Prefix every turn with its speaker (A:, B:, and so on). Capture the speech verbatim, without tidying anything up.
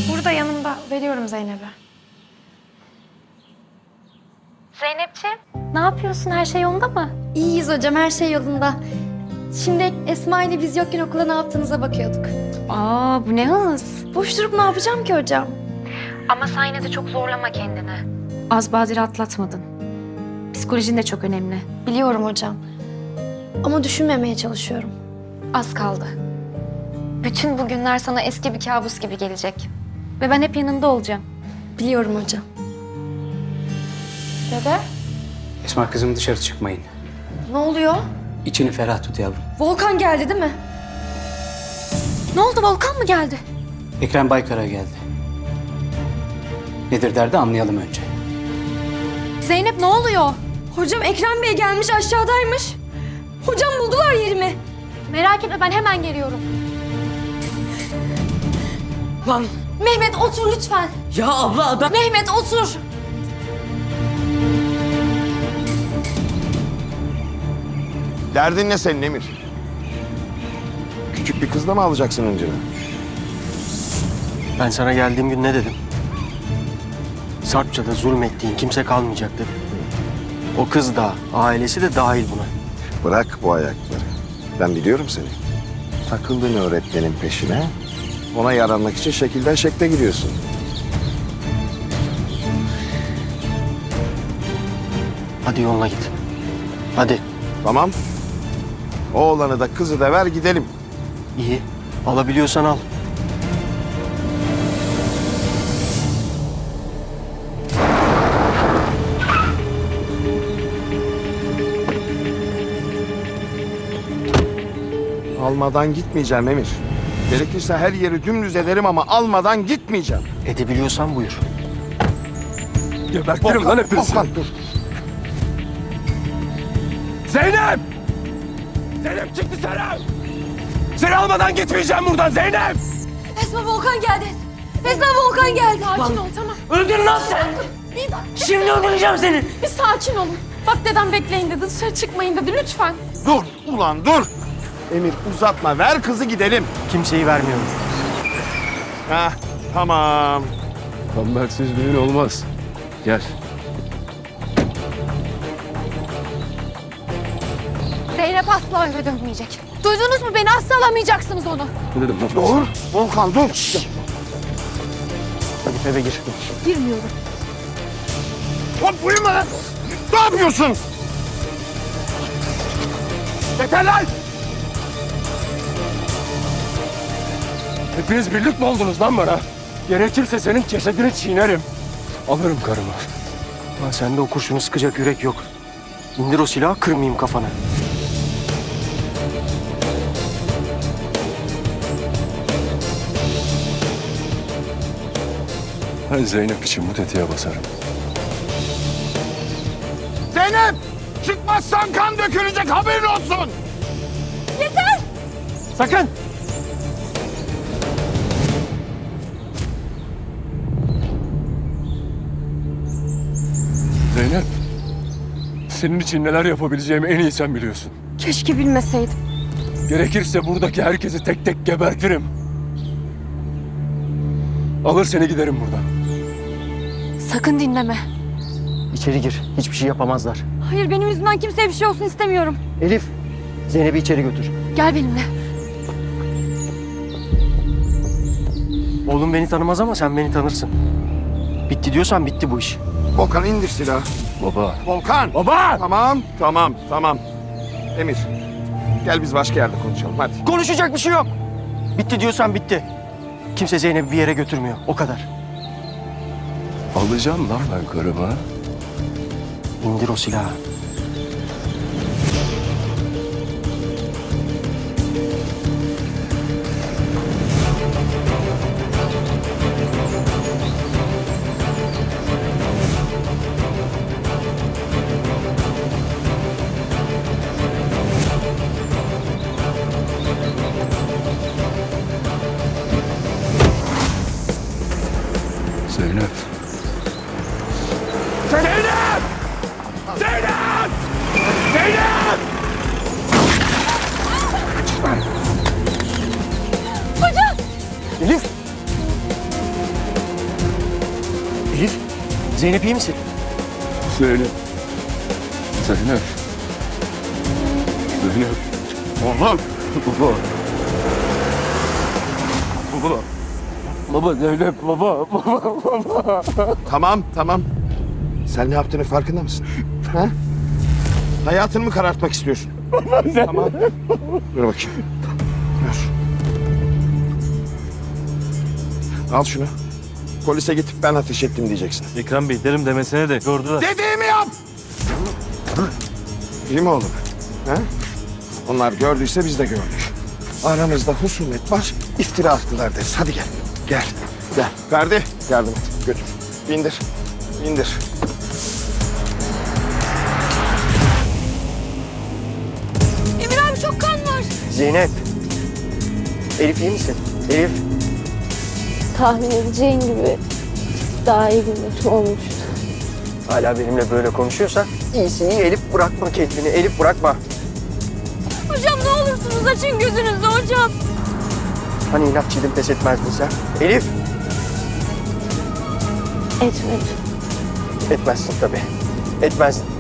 A: Burada yanımda. Veriyorum Zeynep'e.
B: Zeynepciğim, ne yapıyorsun? Her şey yolunda mı?
C: İyiyiz hocam, her şey yolunda. Şimdi Esma ile biz yokken okula ne yaptığınıza bakıyorduk.
B: Aa, bu ne hız?
C: Boş durup ne yapacağım ki hocam?
B: Ama sen yine de çok zorlama kendini. Az badire atlatmadın. Psikolojin de çok önemli.
C: Biliyorum hocam. Ama düşünmemeye çalışıyorum.
B: Az kaldı. Bütün bu günler sana eski bir kabus gibi gelecek. Ve ben hep yanında olacağım.
C: Biliyorum hocam.
B: Dede?
D: Esma kızım, dışarı çıkmayın.
C: Ne oluyor?
D: İçini ferah tut yavrum.
C: Volkan geldi değil mi?
B: Ne oldu? Volkan mı geldi?
D: Ekrem Baykar'a geldi. Nedir derdi anlayalım önce.
B: Zeynep ne oluyor?
C: Hocam Ekrem Bey gelmiş, aşağıdaymış. Hocam buldular yerimi.
B: Merak etme, ben hemen geliyorum.
E: Lan
C: Mehmet otur lütfen.
E: ya abla adam...
C: Mehmet otur.
F: Derdin ne senin Emir? Küçük bir kızla mı alacaksın önceden?
G: Ben sana geldiğim gün ne dedim? Sarpça'da zulmettiğin kimse kalmayacak dedim. O kız da, ailesi de dahil buna.
F: Bırak bu ayakları. Ben biliyorum seni. Takıldın öğretmenin peşine. Ona yaranmak için şekilden şekle giriyorsun.
G: Hadi yoluna git. Hadi.
F: Tamam. Oğlanı da kızı da ver gidelim.
G: İyi. Alabiliyorsan al.
F: Almadan gitmeyeceğim Emir. Gerekirse her yeri dümdüz ederim ama almadan gitmeyeceğim.
G: Edebiliyorsan buyur.
H: Gebertirim lan hepinizi.
F: Volkan dur.
H: Zeynep! Zeynep çık dışarı! Seni almadan gitmeyeceğim buradan Zeynep!
C: Esma Volkan geldi. Esma Volkan geldi.
A: Sakin ol, tamam.
E: Öldür lan sen!
C: Bir dakika.
E: Şimdi öldüreceğim seni!
A: Bir sakin olun. Bak dedem bekleyin dedi, dışarı çıkmayın dedi. Lütfen.
F: Dur ulan dur. Emir uzatma, ver kızı gidelim.
G: Kimseyi vermiyorum.
F: Heh, tamam.
H: Kambersiz düğün olmaz. Gel.
B: Zeynep asla eve dönmeyecek. Duydunuz mu beni? Asla alamayacaksınız onu.
H: Ne dedim lan?
F: Dur. Volkan dur.
G: Hadi eve gir.
B: Girmiyorum.
F: Hop uyuma lan. Ne yapıyorsun?
H: Yeter lan! Hepiniz birlik mi oldunuz lan bana? Gerekirse senin cesedini çiğnerim. Alırım karımı.
G: Lan sende o kurşunu sıkacak yürek yok. İndir o silahı, kırmayayım kafanı.
H: Ben Zeynep için bu tetiğe basarım.
F: Zeynep! Çıkmazsan kan dökülecek, haberin olsun.
H: Sakın! Zeynep, senin için neler yapabileceğimi en iyi sen biliyorsun.
C: Keşke bilmeseydim.
H: Gerekirse buradaki herkesi tek tek gebertirim. Alır seni giderim buradan.
B: Sakın dinleme.
G: İçeri gir. Hiçbir şey yapamazlar.
C: Hayır, benim yüzümden kimseye bir şey olsun istemiyorum.
G: Elif, Zeynep'i içeri götür.
B: Gel benimle.
G: Oğlum beni tanımaz ama sen beni tanırsın. Bitti diyorsan bitti bu iş.
F: Volkan indir silahı.
H: Baba.
F: Volkan!
H: Baba!
F: Tamam, tamam, tamam. Emir, gel biz başka yerde konuşalım, hadi.
G: Konuşacak bir şey yok. Bitti diyorsan bitti. Kimse Zeynep'i bir yere götürmüyor. O kadar.
H: Alacağım lan ben karımı.
G: İndir o silahı.
H: Zeynep. Zeynep! Zeynep! Zeynep!
G: Elif! Elif, Zeynep iyi misin?
H: Zeynep. Zeynep. Zeynep. Oğlum. Baba. Baba. Baba Zeynep baba. Baba baba.
F: Tamam, tamam. Sen ne yaptığının farkında mısın? Ha? Hayatını mı karartmak istiyorsun? Tamam. Dur bakayım. Dur. Al şunu. Polise gidip ben ateş ettim diyeceksin.
G: Ekrem Bey derim demesine de gördüler.
F: Dediğimi yap! İyi mi oğlum? Ha? Onlar gördüyse biz de gördük. Aramızda husumet var, iftira attılar deriz. Hadi gel, gel, gel. Ferdi, yardım et, götür. Bindir, bindir.
A: Emir abi çok kan var.
G: Zeynep. Elif iyi misin? Elif.
I: Tahmin edeceğin gibi daha iyi günler olmuştu.
G: Hala benimle böyle konuşuyorsa iyisin iyi. Elif bırakma kendini. Elif bırakma.
A: Hocam ne olursunuz açın gözünüzü hocam.
G: Hani inatçıydın pes etmezdin sen? Elif.
I: Etmedim.
G: Etmezsin tabii. Etmezdin.